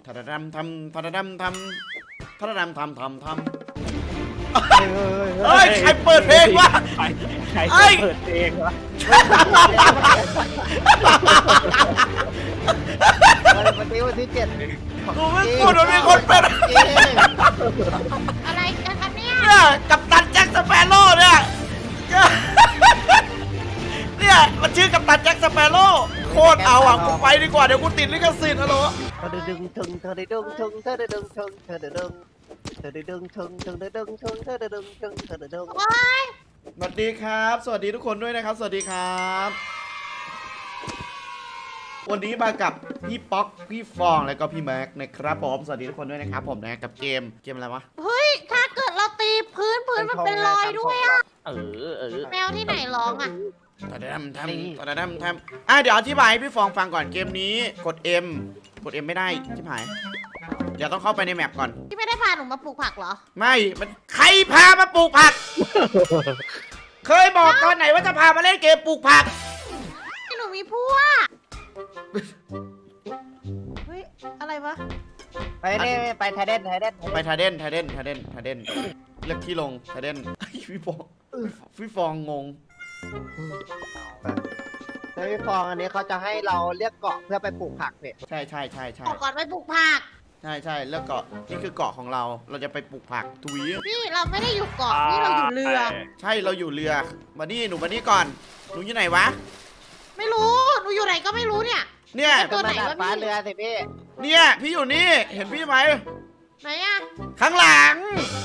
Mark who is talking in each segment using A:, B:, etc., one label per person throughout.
A: ทาดำทำทาดำทำทาดำทำเฮ้ยใครเปิดเพลงวะ
B: ใครเปิดเพลงวะ
C: วันที่7
A: กูไม่พูดว่ามีคนเป็น
D: อะไรกันครับเนี่ย
A: เนี่ยกัปตันแจ็คสเปโร่เนี่ยมันชื่อกัปตันแจ็คสเปโร่โคตรเอาอ่ะกูไปดีกว่าเดี๋ยวกูติดลิขสิทธิ์อะโหล
C: เธอดึงถึงเธอได้ดึงถึงเธอได้ดึงถึงเธอได้ดึงเธอได้ดึงถึงเธอได้ดึงถึงเธอได้ดึงถึงเธอได้ดึง
D: โอ๊ย
A: สวัสดีครับสวัสดีทุกคนด้วยนะครับสวัสดีครับวันนี้มากับพี่ป๊อกพี่ฟองแล้วก็พี่แม็กนะครับผมสวัสดีทุกคนด้วยนะครับผมนะกับเกมอะไรวะ
D: เฮ้ยถ้าเกิดเราตีพื้นมันเป็นรอยด้วยอะ แมวที่ไหนร้องอะ
A: ทำเดี๋ยวอธิบายให้พี่ฟองฟังก่อนเกมนี้กด M ไม่ได้ชิบหายเดี๋ยวต้องเข้าไปในแมปก่อน
D: ที่ไม่ได้พาหนูมาปลูกผักเหรอ
A: ไม่มันใครพามาปลูกผัก เคยบอกตอนไหนว่าจะพามาเล่นเกมปลูกผัก
D: ที่หนูมีพวกเฮ้ยอะไรวะ
C: ไปนี่ไปไทเดน
A: ไปทาเดนเลือกที่ลงทาเดนพี่ฟองงง
C: แล้วพี่ฟองอันนี้เขาจะให้เราเรียกเกาะเพื่อไปปลูกผักเนี่ย
A: ใช่
D: ก่อนไปปลูกผัก
A: ใช่เลือกเกาะนี่คือเกาะของเราจะไปปลูกผักทวี
D: พี่เราไม่ได้อยู่เกาะนี่เราอยู่เรือ
A: ใช่เราอยู่เรือมานี่หนูมานี่ก่อนหนูอยู่ไหนวะ
D: ไม่รู้หนูอยู่ไหนก็ไม่รู้เนี่ย
A: เนี่ย
D: ตัวไหน
C: ดาด
D: วะ
C: ฟ้า
D: พี่
C: เรือสิพี่
A: เนี่ยพี่อยู่นี่เห็นพี่ไหม
D: ไหนอะ
A: ข้างหลัง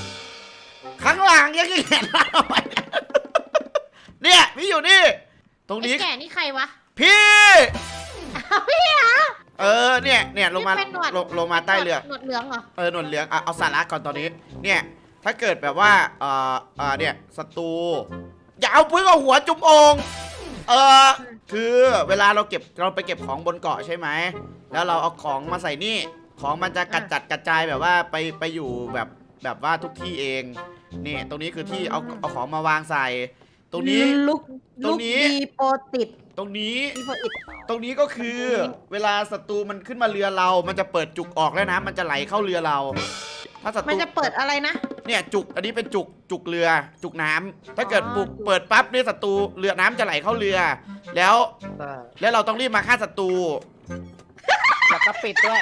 A: ยังเห็นเราไหมเนี่ยพี่อยู่นี่ตรงนี้
D: ไอ้แก่นี่ใครวะ
A: พี่
D: พี่เหรอ
A: เนี่ยลงมา
D: นี่เป็นหนวด
A: ลงมาใต้เรือ
D: หนวดเหลืองเหรอ
A: หนวดเหลืองเอาสาระก่อนตอนนี้เนี่ยถ้าเกิดแบบว่าเนี่ยศัตรูอย่าเอาพึ่งเอาหัวจุ่มโองคือเวลาเราไปเก็บของบนเกาะใช่ไหมแล้วเราเอาของมาใส่นี่ของมันจะกระจายแบบว่าไปอยู่แบบว่าทุกที่เองนี่ตรงนี้คือที่เอาของมาวางใส่ตรงนี้
D: ลุก
A: ตรงนี้
D: ดีโปรติด
A: ตรงนี้
D: ดีโปรอิด
A: ตรงนี้ก็คือเวลาศัตรูมันขึ้นมาเรือเรา มันจะเปิดจุกออกแล้วนะมันจะไหลเข้าเรือเรา ถ้าศัตรู
D: มันจะเปิดอะไรนะ
A: เนี่ยจุกอันนี้เป็นจุกเรือจุกน้ำถ้าเกิดเปิดปั๊บเนี่ยศัตรูเรือน้ำจะไหลเข้าเรือ แล้วเราต้องรีบมาฆ่าศัตรู
C: แล้วก็ปิดด้วย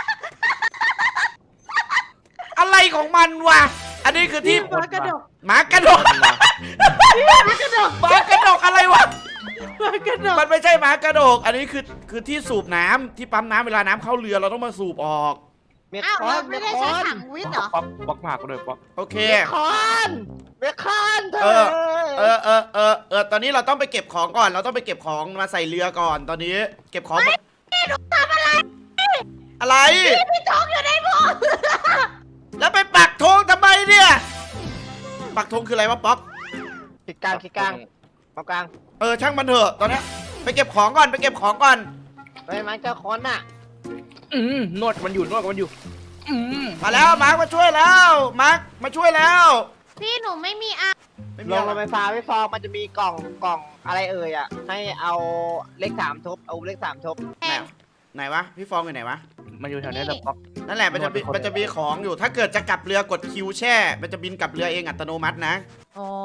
A: อะไรของมันวะอันนี้คือที่
D: หมากระดก
A: หมากระดก
D: หมากระดก
A: หมากระดกอะไรวะ
D: หมากระดก
A: มันไม่ใช่หมากระดก อันนี้คือที่สูบน้ำที่ปั๊มน้ำเวลาน้ำเข้าเรือเราต้องมาสูบออก
D: อ้าวเราไม่ได้ใช้ถังวิทย์เหรอ
B: ป๊อกมากเลยป๊อก
A: โอเค
C: เบคอนเธ
A: ตอนนี้เราต้องไปเก็บของก่อน เราต้องไปเก็บของมาใส่เรือก่อน ตอนนี้ เก็บของ
D: พี่หนูทำอะไร
A: อะไร
D: พี่โจ๊กอยู่ในบ่อ
A: แล้วไปปักธงทำไมเนี่ย ปักธงคืออะไรวะป๊อก
C: คิดกลางมากลาง
A: ช่างมันเถอะ ตอนนี้ไปเก็บของก่อน ไปเก็บของก่อน
C: ไปมาเจ้าคอนน่ะ
B: นวดมันอยู่
A: มาแล้วมาร์คมาช่วยแล้วมาร์คมาช่วยแล้ว
D: พี่หนูไม่มีอา
A: ไม่มี
C: ลง
A: อะไร
C: รถไฟฟ้าพี่ฟองมันจะมีกล่องอะไรเอ่ยอ่ะให้เอาเลข3ทุบเอาเลข3ทุบ
A: ไหนวะ พี่ฟองอยู่ไหนวะ
B: มันอยู่แถวนี้แหละป๊อก
A: นั่นแหละมันจะมีของอยู่ ถ้าเกิดจะกลับเรือกดคิวแช่ มันจะบินกลับเรือเองอัตโนมัตินะ
D: อ๋อก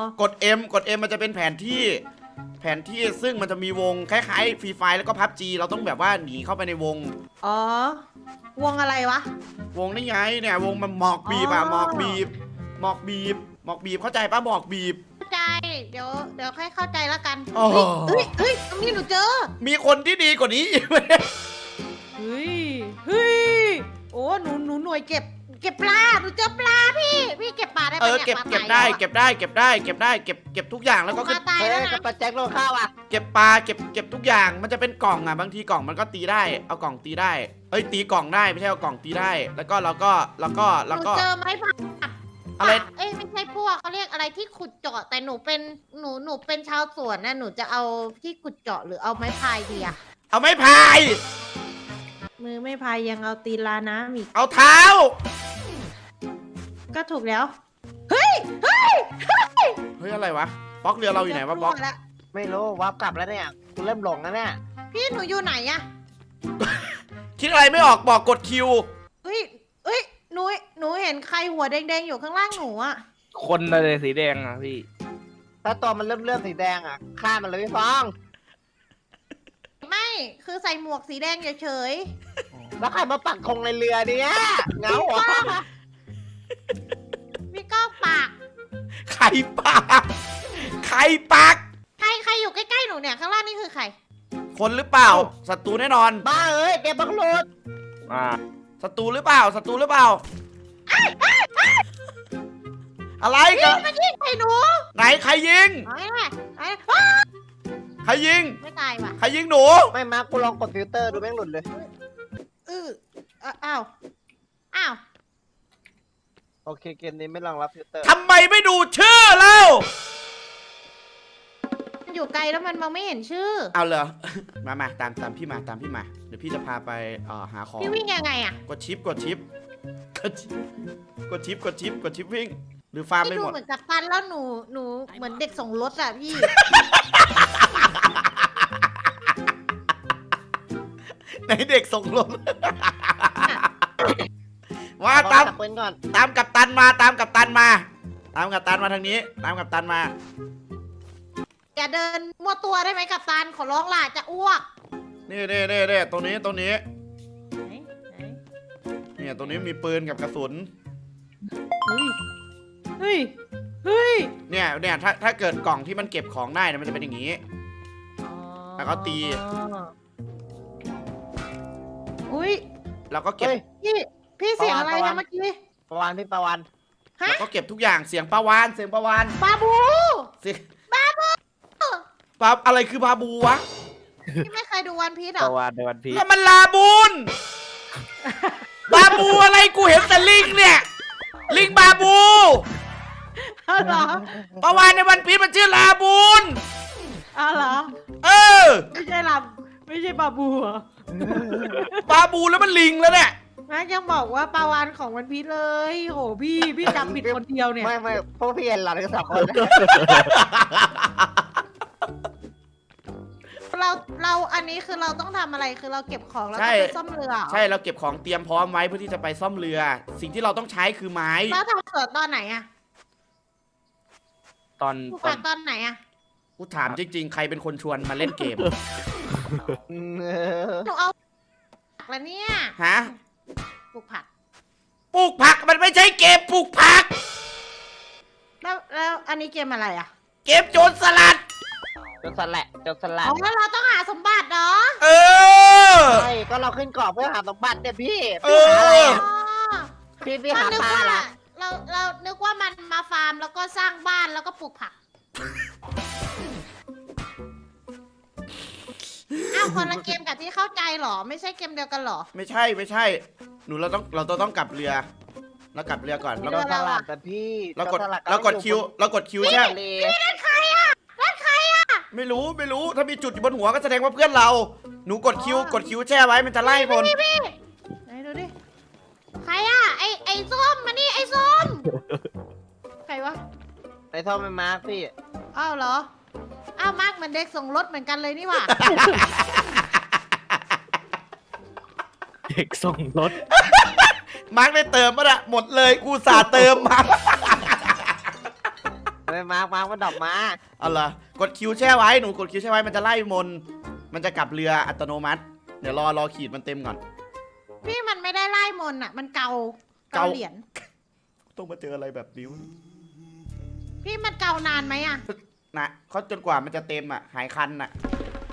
A: ด M มันจะเป็นแผนที่ซึ่งมันจะมีวงคล้ายๆฟรีไฟแล้วก็พับจีเราต้องแบบว่าหนีเข้าไปในวง
D: อ๋อวงอะไรวะ
A: วงนี่ไงเนี่ยวงมันหมอกบีบอะหมอกบีบเข้าใจปะหมอกบีบ
D: เข้าใจเดี๋ยวค่อยเข้าใจแล้วกัน
A: โอ้โห
D: เฮ้ยตรงนี้หนูเจอ
A: มีคนที่ดีกว่านี้อีกไหม
D: เฮ้ยโอ้หนูหน่วยเก็บปลาหนูเจอปลาพี่เก็บปลาได้ปะเนี่ย
A: เก็บ
D: ปลาตาย
A: ได้
D: แล้วอะ
A: เก็บทุกอย่างแล้วก็
D: ปลาตาย
C: เฮ้ย
D: แล้วนะ
C: กับปลาแจ็คโลข้าวอ่ะ
A: เก็บปลาเก็บทุกอย่างมันจะเป็นกล่องอ่ะบางทีกล่องมันก็ตีได้เอากล่องตีได้ตีกล่องได้ไม่ใช่เอากล่องตีได้ แล้วก็
D: หนูเจอไม้พาย
A: อะไร
D: ไม่ใช่พวกเขาเรียกอะไรที่ขุดเจาะแต่หนูเป็นชาวสวนนะหนูจะเอาที่ขุดเจาะหรือเอาไม้พายดีอะ
A: เอาไม้พาย
D: มือไม่พายยังเอาตีนลาน้ำอีก
A: เอาเท้า
D: ก็ถูกแล้วเฮ้ย
A: เฮ้ยอะไรวะป๊อกเรือเราอยู่ไหนวะป๊อก
D: แล้ว
C: ไม่รู้วาร์ปกลับแล้วเนี่ยกูเริ่มหลงแล้วเนี่ย
D: พี่หนูอยู่ไหนอะ
A: คิดอะไรไม่ออกบอกกดคิว
D: เฮ้ยเฮ้ยหนูเห็นใครหัวแดงๆอยู่ข้างล่างหนูอะ
B: คนอะไรสีแดงอ่ะพี่
C: ถ้าตัวมันเริ่มสีแดงอ่ะฆ่ามันเลยพี่ฟอง
D: ไม่คือใส่หมวกสีแดงเฉย
C: แล้วใครมาปักธงในเรือเนี่ยเงาเหรอ
D: ๆพี่ก้องปาก
A: ใครปักใครปัก
D: ใครอยู่ใกล้ๆหนูเนี่ยข้างล่างนี่คือใคร
A: คนหรือเปล่าศัตรูแน่นอน
C: บ้าเอ้ยเก็บบังหลุด
A: ศัตรูหรือเปล่าศัตรูหรือเปล่า อะไร
D: พี่
A: กัน
D: มันยิงใส่หนู
A: ไหนใครยิง
D: เอาไงอ้าว
A: ใครยิง
D: ไม่ตายว่ะ
A: ใครยิงหนู
C: ไม่มากูลองกดฟิลเตอร์ดูแม่งหลุดเลย
D: อ้าวอ้าว
C: โอเคเกมนี้ไม่รองรับฟิลเตอร์
A: ทำไมไม่ดูชื่อเรา
D: มันอยู่ไกลแล้วมันมองไม่เห็นชื่อ
A: เอาเหรอ มาตามพี่มาตามพี่มาเดี๋ยวพี่จะพาไปหาของ
D: พี่วิ่งยังไงอะ
A: กดชิปกดชิปกดชิปกดชิปกดชิปกดชิปวิ่งหรือฟาร์ม
D: พี่
A: ไม่
D: ดู
A: หมด
D: เหมือนกับตันแล้วหนูเหมือนเด็กส่งรถอะพี่
A: ไหนเด็กส่งลมว่า
C: ตา
A: ตาม
C: มปืนก่อน
A: ตามกับตันมาตามกับตันมาตามกับตันมาทางนี้ ตามกับตันมา
D: อย่าเดินมั่วตัวได้ไหมกับตันขอร้องล่ะจะอ้วก
A: นี่ตรงนี้
D: ไหน
A: เนี่ยตรงนี้มีปืนกับกระสุน
D: เฮ้ย
A: เนี่ยถ้าเกิดกล่องที่มันเก็บของได้นะมันจะเป็นอย่างนี้ แล้วก็ตี
D: อุ้ย
A: แล้วก็เก็บ
C: เฮ้ย
D: พี่เสียงอะไรนะเมื่อกี้
C: ประวันพี่ประวัน
D: ฮะ
A: แล้วก็เก็บทุกอย่างเสียงปลาวานเสียงปลาวาน
D: บาบู
A: เสียงปลาอะไรคือบาบูวะ
D: พี่ไม่เคยดูวันพีชเหร
B: ตะ
D: อ
B: วันในวันพีช
A: แล้วมันลาบูน บาบูอะไรกูเห็นแต่ลิงเนี่ย ลิงบาบู
D: อ้าวเหรอ
A: ปลาวานในวันพีชมันชื่อลาบูน
D: อ้าวเหรอ
A: เออ
D: ไม่ใช่ลำไม่ใช่บาบูเหรอบ
A: าบูแล้วมันลิงแล้วเนี่ย
D: แม่ยังบอกว่าปลาวานของวันพีชเลยโหพี่จำผิดคนเดียวเนี่ย
C: ไม่พวกพี่เห็นหลังกันสองคน
D: เราอันนี้คือเราต้องทำอะไรคือเราเก็บของแล้ว
A: ใช่
D: ก็ไปซ่อมเรือเหรอ
A: ใช่เราเก็บของเตรียมพร้อมไว้เพื่อที่จะไปซ่อมเรือ สิ่งที่เราต้องใช้คือไม้
D: แล้วทำเสือตอนไหนอะ
B: ตอน
D: ผู้ฟังตอนไหนอะ
A: กูถามจริงๆ ใครเป็นคนชวนมาเล่นเกม
D: หนูเอาผักแล้วเนี่ย
A: ฮะ
D: ปลูกผัก
A: ปลูกผักมันไม่ใช่เกมปลูกผัก
D: แล้วอันนี้เกมอะไรอะ
A: เกมโจรสลัด
C: จนสลัดจนสลั
D: อ๋
C: ด
D: อแล้วเราต้องหาสมบัติเนาะ
A: เออ
C: ใช่ก็เราขึ้นเกาะเพื่อหาสมบัติเนี่ยพี่
A: เอ
C: พี่
A: อ
C: หาอะไร
D: อ๋
C: อ่ะ
D: อ
C: พี่หา
D: นึก
C: ปลา
D: ว่า
C: เหรอ
D: เรานึกว่ามันมาฟาร์มแล้วก็สร้างบ้านแล้วก็ปลูกผักอ้าวคนละเกมกับที่เข้าใจเหรอ ไม่ใช่เกมเดียวกันเหรอ
A: ไม่ใช่ หนูเราต้องกลับเรือเรากลับเรือก่อน
C: จ
A: แล้ว
C: น
A: ก็
C: สลัดแต่พี่
A: เรากด
C: จนสลั
A: เรากดคิวเรากดคิวใช่
C: ทะเล
D: นั่นใครอะ
A: ไม่รู้ถ้ามีจุดอยู่บนหัวก็แสดงว่าเพื่อนเรา หนูกดคิวแช่ไว้มันจะไล่บน
D: พี่ไหนดูดิ ใครอะไอ้ส้มมานี่ไอ้ส้ม ใครวะ
C: ในท่อไม่มาร์คพี่
D: อ้าวเหรอ อ้าวมาร์กเหมือนเด็กส่งรถเหมือนกันเลยนี่หว่า
B: เด็กส่งรถ
A: มาร์กได้เติมป่ะน่ะหมดเลยกูสาเติมมา
C: ไม่มาร์คมันดอกมา
A: เอาล่ะกดคิวแช่ไว้หนูกดคิวแช่ไว้มันจะไล่มนมันจะกลับเรืออัตโนมัติ เดี๋ยวรอขีดมันเต็มก่อน
D: พี่มันไม่ได้ไล่มนต์อะมันเกาเหรียญ
A: ต้องมาเจออะไรแบบนี้วะ
D: พี่มันเกานานไหมอะ
A: นะเขาจนกว่ามันจะเต็มอ่ะหายคันอ่ะ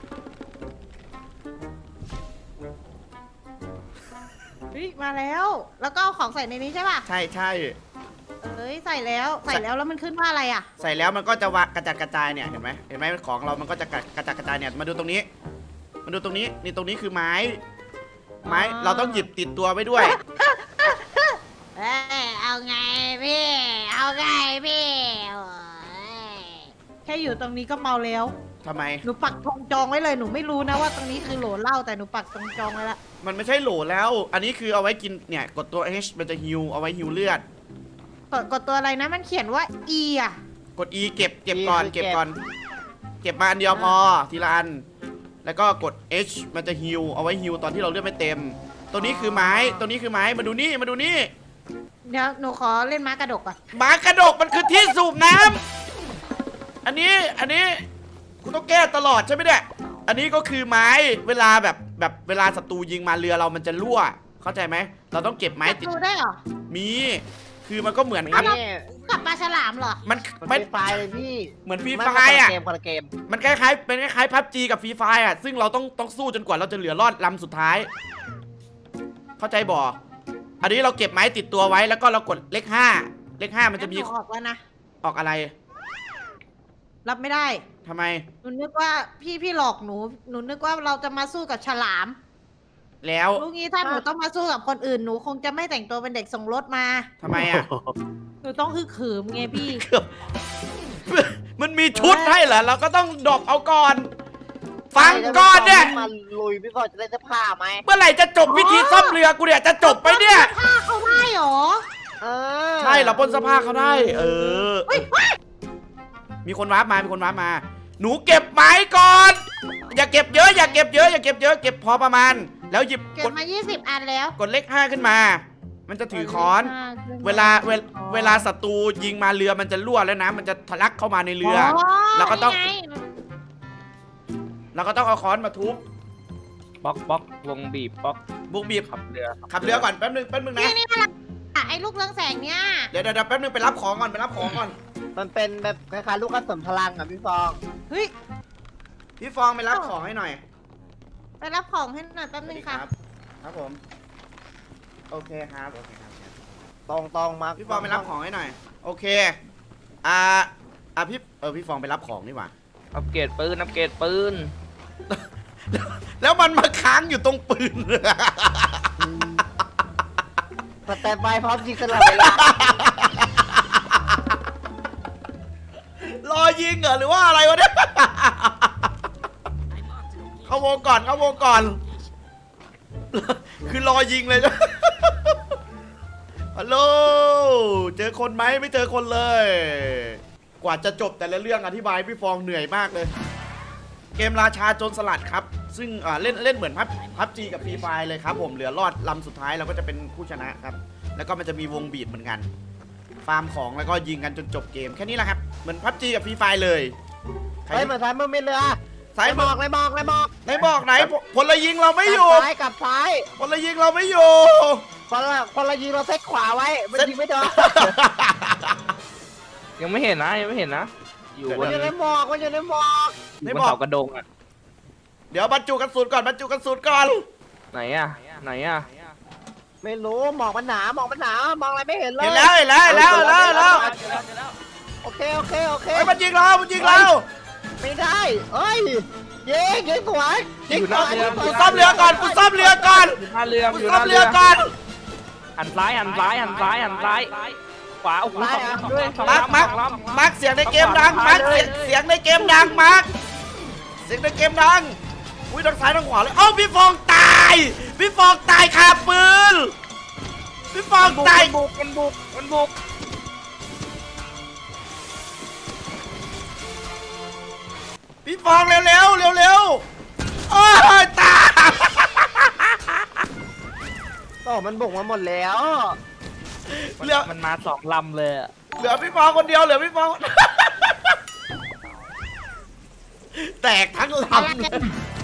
D: เฮ้ยมาแล้ว แล้วก็เอาของใส่ในนี้ใช่ป่ะ
A: ใช่
D: เอ้ยใส่แล้วแล้วมันขึ้นว่าอะไรอะ
A: ใส่แล้วมันก็จะวะกระจัดกระจายเนี่ยเห็นไหมของเรามันก็จะกระจัดกระจายเนี่ยมาดูตรงนี้นี่ตรงนี้คือไม้ เราต้องหยิบติดตัวไว้ด้วย
D: เอ้ยเอาไงพี่ เอาไงพี่โอ้ยแค่อยู่ตรงนี้ก็เมาแล้ว
A: ทำไม
D: หนูปักธงจองไว้เลย หนูไม่รู้นะว่าตรงนี้คือโหลเหล้าแต่หนูปักธงจองไว้ละ
A: มันไม่ใช่โหลแล้ว อันนี้คือเอาไว้กินเนี่ยกดตัว H มันจะฮิวเอาไว้ฮิวเลือด
D: กดตัวอะไรนะมันเขียนว่า E อ่ะ
A: กด E เก็บก่อนเก็บมาอันเดียวพอทีละอัน แล้วก็กด H มันจะฮิวเอาไว้ฮิวตอนที่เราเลือดไม่เต็มตัวนี้คือไม้ตัวนี้คือไม้มาดูนี่มาดูนี่
D: เดี๋ยวหนูขอเล่นม้ากระดกก่อน
A: หมากระดกมันคือที่สูบน้ำอันนี้คุณต้องแก้ตลอดใช่ไหมเนี่ยอันนี้ก็คือไม้เวลาแบบเวลาศัตรูยิงมาเรือเรามันจะรั่วเข้าใจไหมเราต้องเก็บไม้ติด
D: ดูได้เหรอ
A: มีคือมันก็เหมือน
C: นี่
A: ครับ
D: กับปลาฉลามเหรอ
A: มัน
C: มั
A: มัน
C: นไฟเลยพี่
A: เหมือนฟรี
C: ไม่
A: ไฟอ่ะ
C: คนละเกม
A: มันคล้ายๆเป็นคล้ายๆพับจีกับฟรีไฟอ่ะซึ่งเราต้องสู้จนกว่าเราจะเหลือรอดลำสุดท้าย เข้าใจบ่อันนี้เราเก็บไม้ติดตัวไว้แล้วก็เรากดเลข5มันจะมี
D: หนูออกแล้วนะ
A: ออกอะไร
D: รับไม่ได้
A: ทำไม
D: หนูนึกว่าพี่หลอกหนูนึกว่าเราจะมาสู้กับฉลาม
A: แล้ว
D: ลูกนี้ถ้าหนูต้องมาสู้กับคนอื่นหนูคงจะไม่แต่งตัวเป็นเด็กส่งรถมา
A: ทำไมอ่ะ
D: หนูต้องคือขืมไงพี่
A: มันมีชุดให้เหรอเราก็ต้องดรอปเอาก่อน ฟังก่อนเนี่ย
C: มาลุยพี่ฟองจะได้เสื้อผ้าไหม
A: เมื่อไหร่จะจบพิธีซ่อมเรือกูเนี่ยจะจบไปเนี่ย
D: ผ้าเขาได้เหรอ
A: ใช่เราปล้นเสื้อผ้าเขาได้ เออ
D: เฮ้ยเฮ้ย
A: มีคนวาร์ปมามีคนวาร์ปมา หนูเก็บไม้ก่อน อย่าเก็บเยอะอย่าเก็บเยอะอย่าเก็บเยอะเก็บพอประมาณ แล้วหยิบ
D: เก็
A: ก
D: บ
A: ด
D: มา20 อันแล้ว
A: กดเลข5ขึ้นมา มันจะถือค้อน เวลาศัตรูยิงมาเรือมันจะรั่วแล้วนะมันจะทะลักเข้ามาในเรือ เราก็ต้อง
D: นี่ไ
A: เราก็ต้องเอาค้อนมาทุบ
B: ป๊อกวงบีบป๊อก
A: บุกบีบ
B: ขับเรือ
A: ขับเรือก่อนแป๊บนึงนะ
D: นี่อะไรอะไอ้ลูกเรืองแสงเนี่ย
A: เดี๋ยวแป๊บนึงไปรับของก่อนไปรับของก่อน
C: มันเป็นแบบคล้ายๆลูกกระสุนพลังอ่ะพี่ฟอง
D: เฮ้ย
A: พี่ฟองไปรับของให้หน่อย
D: ไปรับของให้หน่อยแป๊บนึงค่ะ
A: ครับผมโอเคครับ
C: ตรงมา
A: พี่ฟองไปรับของให้หน่อยโอเคพี่ฟองไปรับของนี่หว่า
B: อัปเกรดปืนอัปเกรดปืน
A: แล้วมันมาค้างอยู่ตรงปืน
C: สแตนบายพร้อมยิงตลอดเวลาร
A: อยิงเหรอหรือว่าอะไรวะเนี่ย เข้าวงก่อน คือรอยิงเลย ฮัลโหลเจอคนไหมไม่เจอคนเลย กว่าจะจบแต่ละเรื่องอธิบายพี่ฟองเหนื่อยมากเลย เกมราชาโจรสลัดครับ ซึ่งเล่นเหมือนพับจีกับฟรีไฟเลยครับผมเหลือรอดลำสุดท้ายเราก็จะเป็นผู้ชนะครับ แล้วก็มันจะมีวงบีดเหมือนกัน ฟาร์มของแล้วก็ยิงกันจนจบเกมแค่นี้แหละครับเหมือนพับจีกับฟรีไฟเลยใคร
C: เฮ้ยมาซ้ายมือไม่เรือ
A: สาย
C: ไม่
A: บบ อ
C: อก กเลยบอกเลยบอก
A: ไหนบอกไหนพลยิงเราไม่อยู่
C: ซ้ายกับซ้าย
A: พลยิงเราไม่อยู่
C: คนละยิงเราเซตขวาไว้มันยิงไม่โดน
B: ยังไม่เห็นนะอยู่บ
C: มัน
B: น
C: อยู่ในหมอกมันอยู่ในหมอก
B: อยู่บนเสากระดงอ่ะ
A: เดี๋ยวบรรจุกระสุนก่อน
B: ไหนอ่ะ
C: ไม่รู้หมอกมันหนามองอะไรไม่เห็นเลย
A: เห็นแล้ว
C: โอเค
A: เฮ้ยมันยิงเรา
C: ไม่ได้เอ้ยยิงสวย
B: อยู่หน้าเรือ
A: กูซ่อมเรือก่อน
B: อยู่หน้าเรือ
A: กูซ่อมเรือก่อน
B: หันซ้ายขวาโอ้โหสองลำด้วยสอง
A: มาร์คเสียงในเกมดังมาร์คเสียงในเกมดังมาร์คเสียงในเกมดังอุ้ยทางซ้ายทางขวาเลยเอ้าพี่ฟองตายคาปืนพี่ฟองตาย
B: มันบุก
A: พี่ฟองเร็วโอ้ยตาย
C: มันบุกมาหมดแล้ว
B: มันมาสองลำเลยอะ
A: เหลือพี่ฟองคนเดียวแตกทั้งลำเลย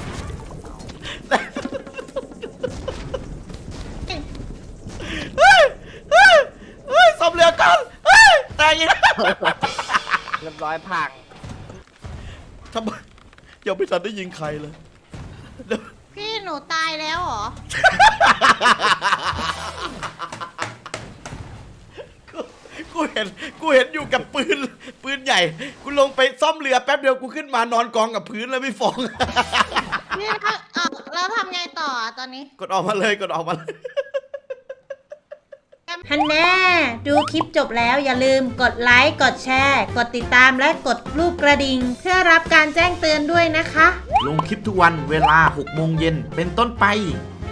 A: ซ่อมเรือก่อนแตกอีก
C: เรียบร้อยพัง
A: ทำไมยังไม่ทันได้ยิงใครเลย
D: พี่หนูตายแล้วเหรอ
A: กูเห็นอยู่กับปืนใหญ่ กูลงไปซ่อมเรือแป๊บเดียวกูขึ้นมานอนกองกับพื้นแล้วไม่ฟ้อง
D: พี่แล้วทำไงต่อตอนนี้
A: กดออกมาเลย
D: ฮันแน่ดูคลิปจบแล้วอย่าลืมกดไลค์กดแชร์ กดติดตามและกดรูปกระดิ่งเพื่อรับการแจ้งเตือนด้วยนะคะ
A: ลงคลิปทุกวันเวลา 6 โมงเย็นเป็นต้นไป